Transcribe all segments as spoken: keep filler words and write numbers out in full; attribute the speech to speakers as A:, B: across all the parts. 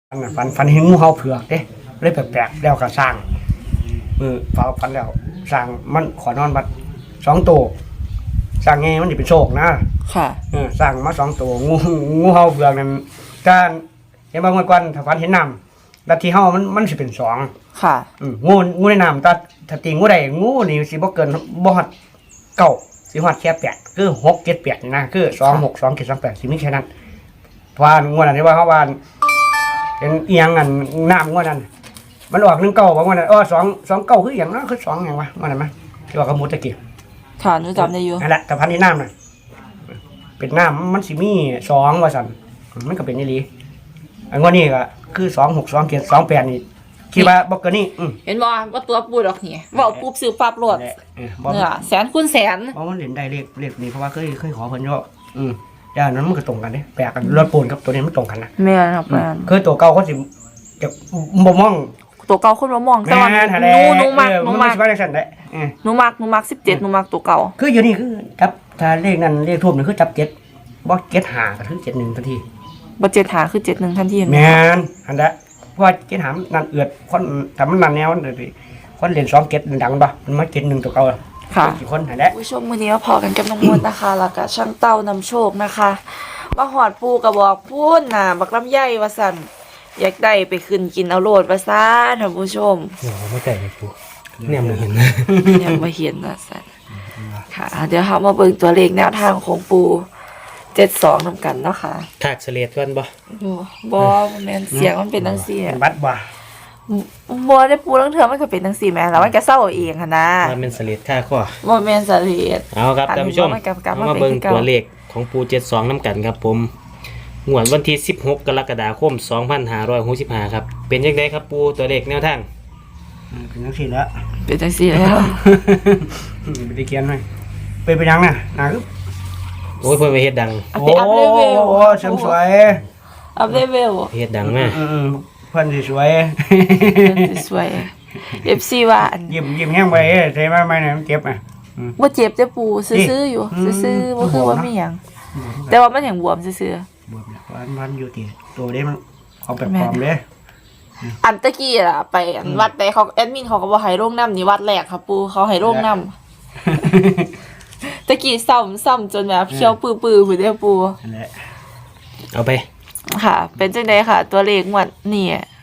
A: ฝันฝันฝันเห็นงูเห่าเผือกเด้เลยแปลกๆแล้วก็สร้างมือฝันฝันแล้วสร้างมันขอนอนบัดสองตัวสร้างไงมันจะเป็นโชคนะ
B: ค่ะ
A: เออสร้างมาสองตัวงูงูเห่าเผือกนั่นการเห็นบางวันก่อนถ้าฝันเห็นน้ำลัทธิเห่ามันมันสิเป็นสอง
B: ค่ะ
A: อืมงูงูในน้ำถ้าถ้าตีงูใดงูนี่สิบ่เกินบ่ฮอดเก้าสิฮอดแค่แปดคือหกเจ็ดแปดนี่นะคือสองหกสองเจ็ดสองแปดสิมีแค่นั้นเพราะว่างูนั่นที่ว่าเขาว่าเป็นเอียงอันน้ำงวดนั้นมันออกหนึ่งเก้าบอกว่านั้นเออสองสองเก้าคืออย่างนั้นคือสองอย่างวะมันอะไรมั้ยที่ว่ากระมุดตะกี้
B: ค่ะหนูจำได้อยู่
A: นั่นแหละแต่พันที่น้ำน่ะเป็นน้ำมันสิมีสองว่าสันมันก็เป็นนี่ลีอันงวดนี้ก็คือสองหกสองเจ็ดสองแปดนี่คิดว่าบอกกันนี่
B: เห็นบ่ว่าตัวปูดอกนี่ว่าปุ๊บซื้อปั๊บโหลดเนี่ยแสนคูณแสน
A: เพราะมันเล่นได้เลขเลขนี้เพราะว่าเคยเคยขอเพิ่นเยอะอืมย่านนั้นมันก็ตรงกันเด้แปลกกันรถปูนกับตัวนี้มันตรงกันนะ
B: แม่นครับแม่น
A: คือตัวเก่าเขาสิจะบ่มอง
B: ตัวเก่าคนบ่มองแต่ว่าหนูหนูมักหนูมักหนูมักหนูมักสิบเจ็ดหนูมักตัวเก่า
A: คืออยู่นี่คือจับถ้าเลขนั้นเลขทูบนี่คือจับเจ็ดบ่เจ็ดห้าก็คือเจ็ดหนึ่งทันที
B: บ่เจ็ดห้าคือเจ็ดหนึ่งทันที
A: แม่นอันนั้นเพราะว่าเจ็ดห้านั่นเอือดคนถ้ามันนั่นแนวนั่นสิคนเล่นสองเจ็ดดังบ่มันมาเจ็ดหนึ่งตัวเก่า
B: ค่ะ
A: กี่คนนั่นแหละ
B: ผู้ชมมื้อนี้ก็พอกันกับน้องมนต์นะคะแล้วก็ช่างเต้านำโชคนะคะมาหอดปูก็บอกพูนน่ะบักลำไยว่าซั่นอยากได้ไปขึ้นกินเอาโลดว่าซ่าท่านผู้ชม
C: โอ้ไม่ใจเลยปูเนี่ยมันเห็น
B: ยังบ่เห็นว่าซั่นค่ะเดี๋ยวเฮามาเบิ่งตัวเลขแนวทางของปูเจ็ดสองนำกันเนาะค่ะ
C: ถากเสลียดก่อนบ่
B: บ่แม่นเสียงมันเป็นจังซี่
A: บัดบ่
B: บ่ได้ปูทั้งเทื่อมันก็เป็นจังซี่แม่แล้วมันก็เศร้าเองหั่นนะ
C: มันเป็นเสลียดค่าข้อ
B: บ่แม่นเสลียด
C: เอาครับท่านผู้ชมมาเบิ่งตัวเลขของปูเจ็ดสองนำกันครับผมงวดวันที่สิบหกกรกฎาคมสองพันห้าร้อยหกสิบห้าครับเป็นจังได๋ครับปูตัวเลขแนวทาง
A: เป็นจังซี่แล้ว
B: เป็นจังซี่แล้ว
A: ไม่ได้เขียนให้เป็นไปยังน่ะน่าคือ
C: โอ้ยเพิ่นไปเฮ็ดดัง
A: โอ้โหสวยสวย
B: อัพเลเวล
C: เฮ็ดดังมา
A: อือเพิ่นสิสวย
B: สวย เอฟ ซี ว่า
A: ยิ้มยิ้มแห้งไปใช่มั้ยไม่น่ะมันเจ็บอ่ะ
B: บ่เจ็บจะปูซื่อๆอยู่ซื่อๆบ่คือว่ามีหยังแต่ว่ามันยังบวมซื่อบ
A: วมเนี่ยวันวันอยู่ติตัวเด้มันเอาแบบปลอมเด้
B: อันตะกี้ล่ะไปอันวัดแต่เขาแอดมินเขาก็บ่ให้ลงน้ำนี่วัดแรกครับปูเขาให้ลงน้ำตะกี้ซ้ำซ้ำจนแบบเคี้ยวปื้อๆพุ่นเด้อปู
A: นั่นแหละ
C: เอาไป
B: ค่ะเป็นจังได๋ค่ะตัวเลขงวดนี่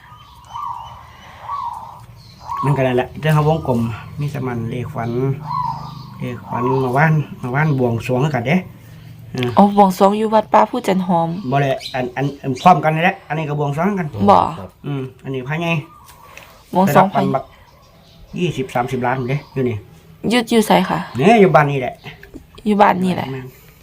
A: มันก็นั่นแหละเรื่องเฮาวงกลมมีสมันเลขฝันเลขฝันมาว่านมาว่านบวงสรวงกันเด้
B: อ๋อบวงสรวงอยู่วัดป่าผู้จันหอม
A: บ่ได้อันอันพร้อมกันนี่แหละอันนี้ก็บวงสรวงกัน
B: บ่
A: อืมอันนี้ภายใน
B: บวงสรวงภาย
A: ยี่สิบ สามสิบล้านเด้อยู่นี่
B: อยู่อยู่ไสค่ะ
A: เนี่ยอยู่บ้านนี่แหละ
B: อยู่บ้านนี่แหละ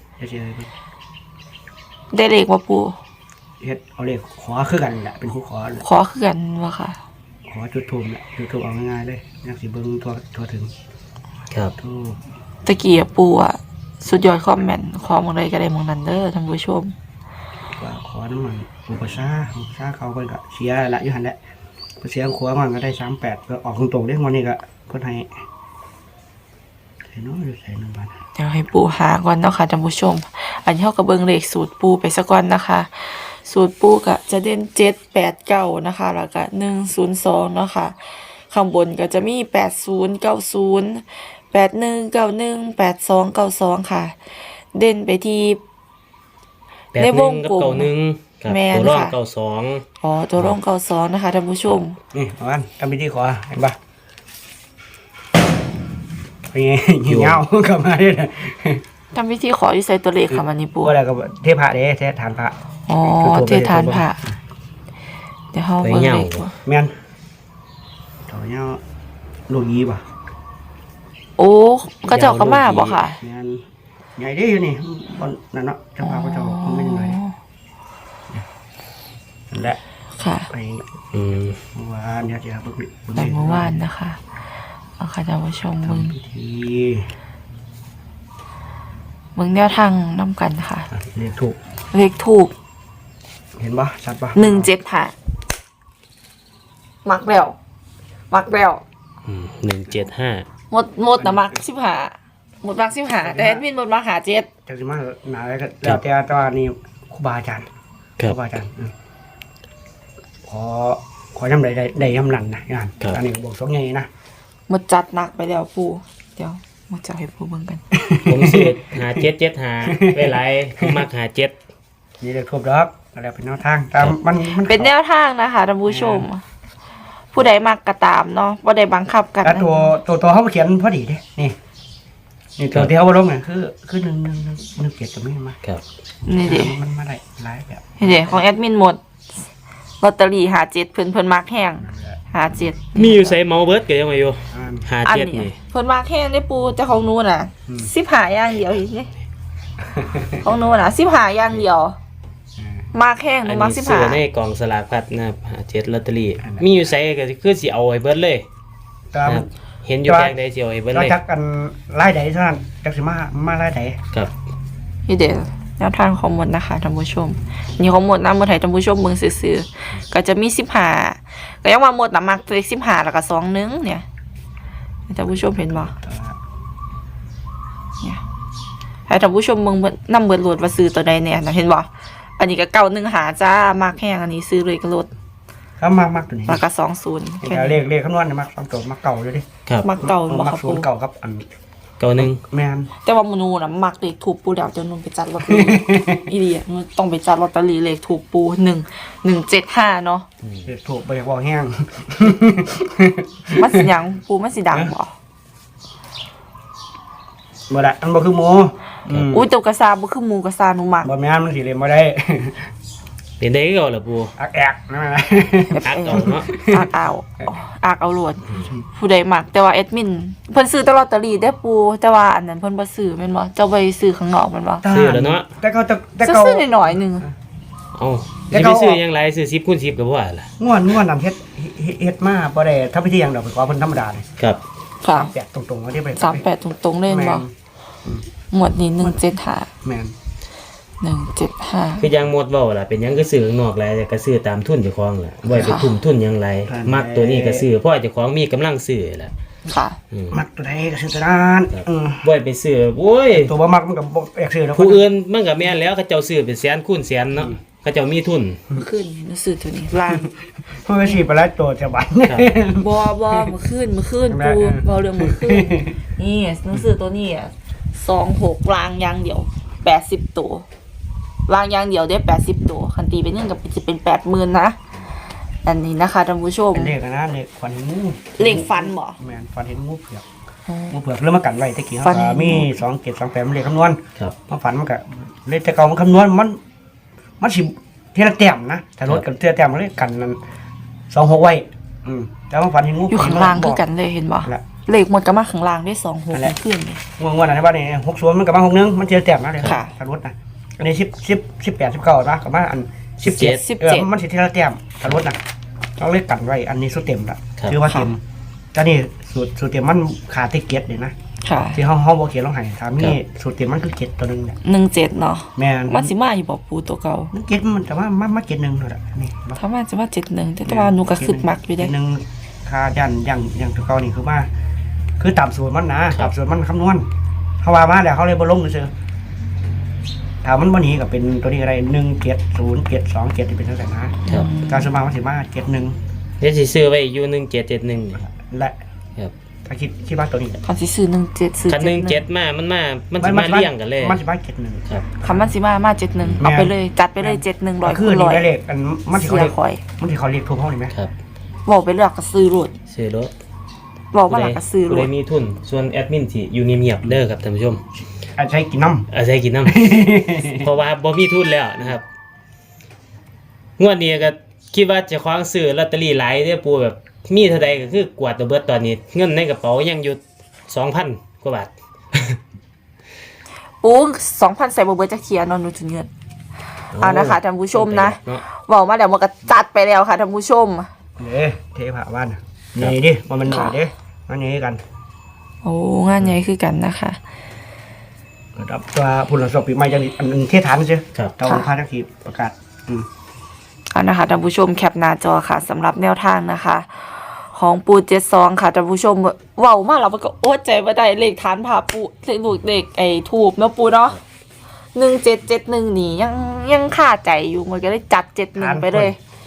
B: ได้เลขบ่ปู่
A: เฮ็ดเอาเลขขอคือกันแหละเป็นผู้ขอ
B: ขอคือกันว่าค่ะ
A: ขอจุดธูปแหละจุดธูปเอาง่ายๆเลยจังสิเบิ่งทั่วทั่วถึง
C: ครับ
B: ตะกี้ปู่อ่ะสุดยอดคอมเมนต์ขอหม้องใดก็ได้หม้องนั้นเด้อท่านผู้ชม
A: ว่าขอน้ำมันอุปสาอุปสาเขาเพิ่นก็เสียละอยู่หั่นแหละเสียขัวมันก็ได้สามสิบแปดก็ออกตรงๆเด้งวดนี้ก็เพิ่นให้ใส่น้อยใส่น้ำบาด
B: เดี๋ยวให้ปู่หาก่อนเนาะค่ะท่านผู้ชมอันนี้เฮาก็เบิ่งเลขสูตรปู่ไปซะก่อนนะคะสูตรปู่ก็จะเด่นเจ็ด แปด เก้านะคะแล้วก็หนึ่ง ศูนย์ สองเนาะค่ะข้างบนก็จะมีแปดศูนย์ เก้าศูนย์ แปดหนึ่ง เก้าหนึ่ง แปดสอง เก้าสองค่ะเด่นไปที่
C: ในวงกลมแม่นค่ะตัวรองเก้าสอง
B: อ๋อตัวรองเก้าสองนะคะท่านผู้ชม
A: นี่เอาอันทำพิธีขอเห็นป่ะเป็นไงเหี่ยวกลับมาได้
B: ทำพิธีขอที่ใส่ตัวเลขค่ะมันนี่ปู่
A: อะไรก็เทพะเด้เทฐานพระ
B: อ๋อเทฐานพระเดี๋ยวเฮาเบิ่งเลข
A: แม่นต่อเนาะลูกยีป่ะ
B: โอ้ก็เจ้าก็มาบ่ค่ะ
A: แม่นใหญ่เด้อยู่นี่บ่นั่นเนาะเจ้าพาพระเจ้ามันเป็นยังไงนั่นแหละ
B: ค่ะ
A: ไปอืมเมื่อวานเนี่ยจะเบิ่ง
B: เมื่อวานนะคะเอาค่ะท่านผู้ชมมึง
A: พิธี
B: มึงแนวทางนำกันค่ะ
A: เลขถูก
B: เลขถูก
A: เห็นป่ะชัดป่ะ
B: หนึ่งเจ็ดค่ะมักแล้วมักแล้ว
C: หนึ่งเจ็ดห้า
B: หมดหมดนะมักสิบห้าหมดมักสิบห้าแต่แอดมินหมดมักหาเจ็ด
A: จากสิมาหนาแล้วก็แล้วแต่ตอนนี้ครูบาอาจารย์ครูบาอาจารย์คขอขอยำใดได้ได้ยำนั้นนะงานอันนี้บอกสองไงนะ
B: หมดจัดหนักไปแล้วปูเดี๋ยวมาจะให้ปูเบิ่งกัน
C: ผมซื้อหาเจ็ดเจ็ดหาไปหลายผมมักหาเจ็ด
A: นี่เลยครบดอกอะไรเป็นแนวทางตามมันมัน
B: เป็นแนวทางนะคะท่านผู้ชม ผู้ใดมักก็ตามเนาะบ่ได้บังคับกัน
A: แล้วตัวตัวตัวเขาเขียนพอดีเด้นี่นี่ตัวที่เขาลงเนี่ยคือคือหนึ่งหนึ่งหนึ่งหนึ่งเกียรติจะไม่มา
C: ครับ
B: นี่ดิ
A: มันมาได้หลายแบบ
B: นี่ดิของแอดมินหมดลอตเตอรี่หาเจ็ดเพิ่นเพิ่นมักแห้งหาเจ็ด
C: มีอยู่ใส่เมาเบิร์ดก็ยังไงอยู่
A: อ่าน
C: หา
B: อัน
C: เจ็ด
B: นี้
C: นี่
B: เพิ่นมักแห้งได้ปูแต่ของหนูน่ะ
A: อืม
B: สิบหาอย่างเดียวอีกนี่ของหนูน่ะสิบหาอย่างเดียวมากแห้งห
C: อั
B: นู
C: น
B: มัก
C: นี้
B: สิบ
C: ซื้
B: หา
C: อในกล่องสลากพัดนะครับหาเจ็ดลอตเตอรี่มีอยู่ใส่ก็คือสิเอาไว้เบิร์ดเลย
A: ตาม
C: นะครับเห็นอยู่แพงใดสิเอาไว้เบิร์ด
A: เรา
C: เลย
A: จักกันไล่ใดเท่านั้นจักสิมามาไล่ใด
C: ครับ
B: นี่เดี๋ยวแนวทางของหมดนะคะท่านผู้ชมนี่ของหมดนะหมดให้ท่านผู้ชมเบิ่งซื่อๆก็จะมีสิบหาก็ยังว่าหมดน่ะมักเลขสิบหาแล้วก็สองหนึงเนี่ยให้ท่านผู้ชมเห็นบ่เนี่ยให้ท่านผู้ชมเบิ่งเบิดนำเบิดโหลดว่าซื้อตัวใดเนี่ยนะเห็นบ่อันนี้ก็เก้าหนึ่งหาจ้ามากแห้งอันนี้ซื้อเลยก็ลด
A: ถ้ามากมากตัวนี้
B: แล้วก็สองศูนย์แค่
A: แต่เล
B: นี้
A: ขเลขคำนวณเนี่ยมักสองตัวมักเก่าอยู่ดิ
C: ครับ
B: มักเก่าบ่
A: มั
B: ค
A: ก
B: รับ
A: ศู
B: ปู
A: นย์เก่าครับอัน
C: เก้าหนึ่ง
A: แมน
B: แต่ว่ามนูน่ะมักเลขถูกปูแล้วจะนุ่นไปจัดลอตเตอรี่ อีเดียมันต้องไปจัดลอตเตอรี่เลขถูกปูหนึ่งหนึ่งเจ็ดห้าเนาะ
A: เลขถูกไปจากวอแห้ง
B: มันสิหยังปูมันสิดังบ่
A: บ่ได้อันบ่คือหมูอืม
B: อุ้ยตัวกระซาบ่คือหมูกระซาหนูมัก
A: บ่แม่นมันสิเรียนบ่ได้
C: เป็นได้ก็เหรอปู
A: อักแอกนั่นแหละ
C: อักเอาเนาะ
B: อากเอาอากเอาโหลดผู้ใดมักแต่ว่าแอดมินเพิ่นซื้อแตลอตเตอรี่ได้อปูแต่ว่าอันนั้นเพิ่นบ่ซื้อแม่นบ่เจ้าไปซื้อข้างนอกแม่นบ่
C: ซื้อแล้วเนาะ
A: แต่เขาแต่แต่เขา
B: ซื้อๆหน่อยๆหนึง
C: เอา
A: แล้
C: จะ
A: ว
C: ไป
A: เขา
C: ซื้อยังไรซื้อสิบคูณสิบกับว่าล่ะ
A: ง่วนง่วนนำเฮ็ดเฮ็ดเฮ็ดมาบ่ได้ทำพิธีหยังดอกไปขอเพิ่นธรรมดาเลย
C: ครับ
B: ค่ะ
A: แปดตรงๆว่าที่ไป
B: สามแปดตรงๆเล่นบ่หมวดนี้หนึ่งเจ็ดห้า
A: แม่น
B: หนึ่งเจ็ดห้า
C: คือยังหมดเว้าล่ะเป็นหยังก็ซื้อข้างนอกหลายแต่ก็ซื้อตามทุนเจ้าของล่ะบ่ให้ไปทุ่มทุนหยังไรมักตัวนี้ก็ซื้อเพราะเจ้าของมีกำลังซื้อล่ะ
B: ค่ะ
C: อืม
A: มักตัวใดก็ซื้อตัวนั้นอือ
C: บ่ให้ไปซื้อโอ้ย
A: ตัวบ่มักมันก็บ่อยากซื้อแล้ว
C: ผู้อื่นมันก็แม่นแล้วเขาเจ้าซื้อเป็นแสนคูณแสนเนาะเขาเจ้ามีทุน
B: ขึ้นรู้สึกตัวนี้ล่าง
A: เพิ่นก็สิไปแล้วตัวจะบัน
C: ครับ
B: บอบอมือขึ้นมือขึ้น
A: ใช่ไหม
B: ปูบอเรื่องมือขึ้นนี่หนังสือตัวนี้อ่ะสองหกลางอยางเดียวแปดสิบตัวลางอยางเดียวได้แปดสิบตัวคันตีเป็นเงินกับจะเป็นแปดหมื่นนะอันนี้นะคะท่านผู้ชม
A: เป็นเลขอะนะเลขขวัญงู
B: เลขฟันบ่
A: แม่นฟันเห็นงูเผือกงูเผือกเริ่มมากันไว้ตะกี้
B: ฟั
A: เฮาน
B: เห็
A: ก็
B: น
A: มีสองเจ็ดสองแปดมันเลขคำนวณ
C: ครับ
A: มาฝันมันก็เลขแต่เก่ามันคำนวณมัน มันสิเทีละแต้มนะถ้ารถกับเทีละแต้มมันเลขกันนั้นสองหกไว้อืมแต่ว่าฝันเห็นงู
B: อยู่ข้างล่างคือกันเลยเห็นบ่
A: ละ
B: เลขหมดก็มาข้างล่างได้สองหกขึ้นเลย
A: งวงๆอันนี้ว่านี่หกศูนย์มันกับมาหกหนึ่งมันเทีละแต้มนะเลย
B: ค่ะ
A: ถ้ารถนะอันนี้สิบสิบสิบแปดสิบเก้านะกับมาอันสิบเจ็ด
B: สิบ
A: เอ
B: เจ็ด
A: อมันสิทีละแต้มถ้ารถนะต้องเลขกันไว้อันนี้สุดเต็มละ
C: ครับ
A: คือว่าเต็มแต่นี่สูตรสูตรเต็มมันขาดที่เก็ตเลยนะ
B: ค่ะ
A: ที่ห้องห้องบ่เขียนลงให้ถามนี่สูตรเต็มมันคือเก็ตตัวหนึงเนี่ย
B: หนึ่งเจ็ดเนาะ
A: แม่น
B: มันสิมาอยู่บ่ปูตัวเก่า
A: มันเก็ตมันแต่ว่ามันมาเก็ตหนึ่งเท่านั้นนี่บ่
B: ถ้ามันจะมาเจ็ดหนึ่งแต่ว่าหนูก็คึกมักอยู่
A: เก็
B: เด้
A: ตหนึ่งค่ายันยังยังตัวเก่านี่คือว่า คือตามสูตรมันนะตามสูตรมันคำนวณเขาว่ามาแล้วเขาเลยบ่ลงเฉยๆถ้ามันบ่หนีก็เป็นตัวนี้อะไรหนึ่งเจ็ดศูนย์เจ็ดสองเจ็ดที่เป็นจังซั่นนะครับ การสมมามันสิมาเจ็ดหนึ่ง
C: เดี๋ยวสิซื้อไว้อยู่หนึ่งเจ็ดเจ็ดหนึ่ง
A: และ
C: ครับ
A: ถ้าคิดคิดว่าตัวนี้
B: คันสิซื้อหนึ่งเจ็ดซื้อ
C: คันห
B: เจ็
C: นึ่
B: ด
C: ง
B: ห
C: เจ็
B: นึ่
C: ด
B: ง
C: มามันมามันสิมาเลี้ยงกันเลย
A: มันสิมาเจ็ดหนึ่ง
C: ครับ
B: คำมันสิมามาเจ็ดหนึ่งเอาไปเลยจัดไปเลยเจ็ดหนึ่งร้อย
A: คื
B: คู
A: อ
B: ณ
A: นี่
B: ร้อย
A: ได้เลขอันมันสิเขา
B: เสีย
A: เรียก
B: คอย
A: มันสิเขาเรียกทุกห้องนี่ไหม
C: ครับ
B: บอกไปเลือกก็ซื้อรถ
C: ซื้อรถ
B: บอกว่าหลักก็ซื้อร
C: ผู้ใด
B: ถ
C: มีทุนส่วนแอดมินที่อยู่เงียบๆเด้อครับท่านผู้ชม
A: อาใช้กินน้ำ
C: อาศัยกินน้ำ เพราะว่าบ่มีทุนแล้วนะครับงวดนี้ก็คิดว่าจะคว้างซื้อลอตเตอรี่หลายเด้อปูแบบมีเท่าใดก็คือกวาดตัวเบิดตอนนี้ เงินในกระเป๋ายังอยู่สองพันกว่าบาท
B: ปูสองพันใส่บ่เบิร์จะเคลียร์นอนนูจุนเงินเอานะคะท่านผู้ชมนะ
C: เนาะ
B: บอกมาเดี๋ยวมันก็จัดไปแล้วค่ะท่านผู้ชม
A: เด้เทพะวันนี่ดิมันมันหน่อยเด้มันนี่กัน
B: โอ้งานใหญ่คือกันนะคะ
A: รับตัวผู้หลังสอบปีใหม่จะมีอันหนึงเทฐานใช่
C: ครับ
A: เจ้าพาทักทีประกาศอืม
B: เอานะคะท่านผู้ชมแคปหน้าจอค่ะสำหรับแนวทางนะคะ ของปูเจ็ดซองค่ะท่านผู้ชมเว้ามาแล้วมันก็โอ๊ตใจว่าได้เลขฐานผ่าปูเลขลูกเลขไอ้ถูกเนาะปูเนาะหนึ่งเจ็ดเจ็ดหนึ่งนี่ยังยังค่าใจอยู่มันก็เลยจัดเจ็ดหนึ่งไปเลย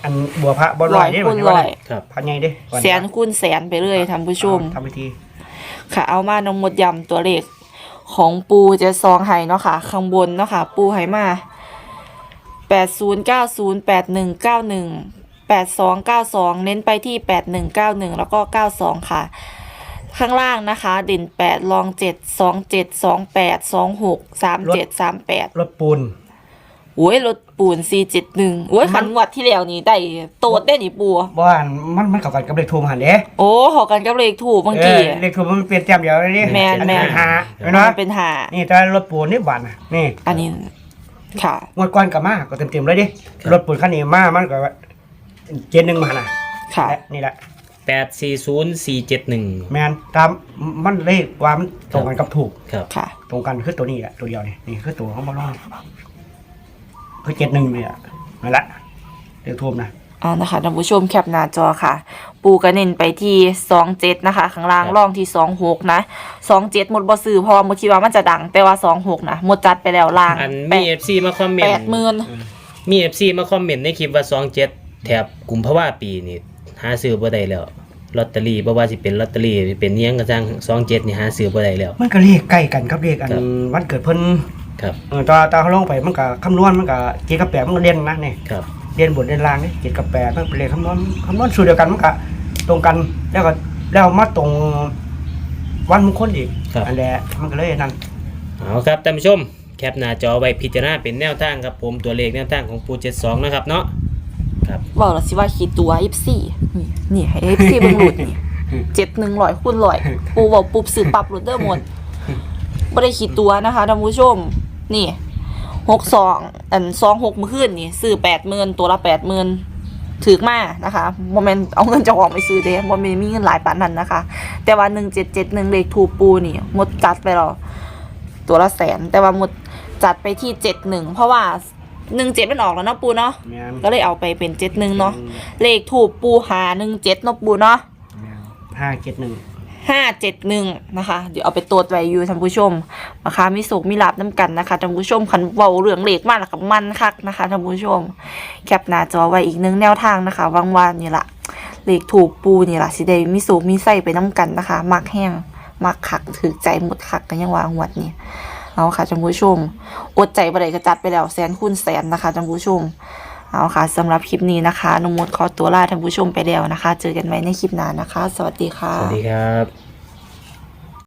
A: อันบัวพระบ่ล
B: ร้
A: อ
B: อย ย
A: เด้
B: คูณ
A: ว่า
B: ร้อย
C: ครับ
A: พันใหญ่เด้ก่อ
B: แสนคูณแสนไปเลยท่านผู้ชม
A: ทำพิธี
B: ค่ะเอามานำหมดยำตัวเลขของปูเจะซองไห้เนาะค่ะ ข้างบนเนาะค่ะ ปูไห้มาแปดศูนย์เก้าศูนย์แปดหนึ่งเก้าหนึ่งแปดสองเก้าสองเน้นไปที่แปดหนึ่งเก้าหนึ่งแล้วก็เก้าสองค่ะ ข้างล่างนะคะ เด่นแปดรองเจ็ดสองเจ็ดสองแปดสองหกสามเจ็ดสามแปด
A: รถปูน
B: โอ้ยรถปูนสี่เจ็ดหนึ่งโอ้ยขันงวัดที่แล้วนี่ได้โตดได้นี่ปู
A: บ่ว่ามันมันเข้ากันกับเลขทูมหันเด้
B: โอ้หอกันกับเลขถูกเมื่อ
A: เอ
B: กี้
A: อเลขทูมมันเปลี่ยนแต้มเดียวเลยนี่
B: แม่นแม่น
A: อัเป็หาเห็น
B: มั
A: บ่
B: นเป็นหา
A: นี่แต่รถปูนนี่หวานน่ะนี่
B: อันนี้ค่ะ
A: งวดก่อนก็มาก็เต็มๆเลยดิรถปูนคันนี้มามันก็เจ็ดหนึ่งมาน่ะ
B: ค่ะ
A: และนี่แหละ
C: แปดสี่ศูนย์สี่เจ็ดหนึ่ง
A: แมนตามมันเลขว่ามันตรงกันกับถูก
C: ครับ
B: ค่ะ
A: ตรงกันคือตัวนี้แหละตัวเดียวนี่นี่คือตัวของบอลลูนคือเจ็ดหนึ่งเนี่ยนั่นแหละเดี๋ยวทูมนะ
B: เอานะคะท่านผู้ชมแคปหน้าจอค่ะ ปูกระเน้นไปที่สองเจ็ดนะคะ ข้างล่างร่องที่สองหกนะสองเจ็ดหมดบ่ซื้อเพราะว่าหมดคิดว่ามันจะดัง แต่ว่าสองหกนะหมดจัดไปแล้วล่าง
C: อัน
B: แป
C: มี
B: ด
C: เอฟซีมาคอมเมน
B: แป
C: ต์
B: ดหมื่น
C: มีเอฟซีมาคอมเมนต์ในคลิปว่าสองเจ็ดแถบกุมภาวะปีนี่หาซื้อบ่ได้แล้วลอตเตอรี่บ่ว่าสิเป็นลอตเตอรี่เป็นเนี้ยงกระจังสองเจ็ดนี่หาซื้อบ่ได้แล้ว
A: มันก็เลขใกล้กันครับเลขอัน
C: ครับ
A: วันเกิดเพิ่น
C: ครับ
A: เออตาตาเขาลงไปมันก็คำนวณมันก็เจ็ดกับแปดมันก็เรียนนะนี่
C: ครับ
A: เรียนบทเรียนรางนี่เจ็ดกับแปดมันเป็นเลขคำนวณคำนวณสูตรเดียวกันมันก็ตรงกันแล้วก็แล้วมาตรงวันมงคลอีก
C: ครับ
A: อันแหละมันก็เลยนั่น
C: เอาครับท่านผู้ชมแคปหน้าจอไว้พิจารณาเป็นแนวทางครับผมตัวเลขแนวทางของปูเจ็ดสองนะครับเนาะครับ
B: บอกแล้วสิว่าคิดตัวเอฟซีนี่นี่ให้เอฟซีเบิ่งหลุดนี่เจ็ดหนึ่งร้อยคูณร้อยปูบอกปุ๊บซื้อปรับหลุดเด้อหมดไม่ได้คิดตัวนะคะท่านผู้ชม นี่หกสองอันสองหกมือขึ้นนี่ซื้อแปดหมื่นตัวละแปดหมื่นถือมานะคะโมเมนต์เอาเงินเจ้าของไปซื้อเด้โมเมนต์มีเงินหลายปานนั้นนะคะ แต่ว่าหนึ่งเจ็ดเจ็ดหนึ่งเลขถูกปูนี่หมดจัดไปแล้วตัวละแสน แต่ว่าหมดจัดไปที่เจ็ดหนึ่งเพราะว่าหนึ่งเจ็ดมันออกแล้วเนาะปูเนาะ
A: แม่น
B: ก็เลยเอาไปเป็นเจ็ดหนึ่งเนาะเลขถูกปูหาหนึ่งเจ็ดเนาะปูเนาะ
A: แม่นห้าเจ็ดหนึ่ง
B: ห้าเจ็ดหนึ่งนะคะเดี๋ยวเอาไปตรวจไว้อยู่ท่านผู้ชมนะคะมีสุกมีลาบน้ำกันนะคะท่านผู้ชมขันเบาเรื่องเหล็กมากแล้วกับมันคักนะคะท่านผู้ชมแคปหน้าจอไว้อีกหนึ่งแนวทางนะคะวางวานนี่ละเหล็กถูกปูนี่ละสิได้มีสุกมีไส้ไปน้ำกันนะคะมักแห้งมักคักถือใจหมดคักกันยังวางหวดนี่เอาค่ะท่านผู้ชมอดใจบ่ได้กระจัดไปแล้วแสนคูณแสนนะคะท่านผู้ชมเอาค่ะสำหรับคลิปนี้นะคะนุมดขอตัวลาท่านผู้ชมไปแล้วนะคะ เจอกันใหม่ในคลิปหน้านะคะ สวัสดีค่ะ
C: สวัสดีครับ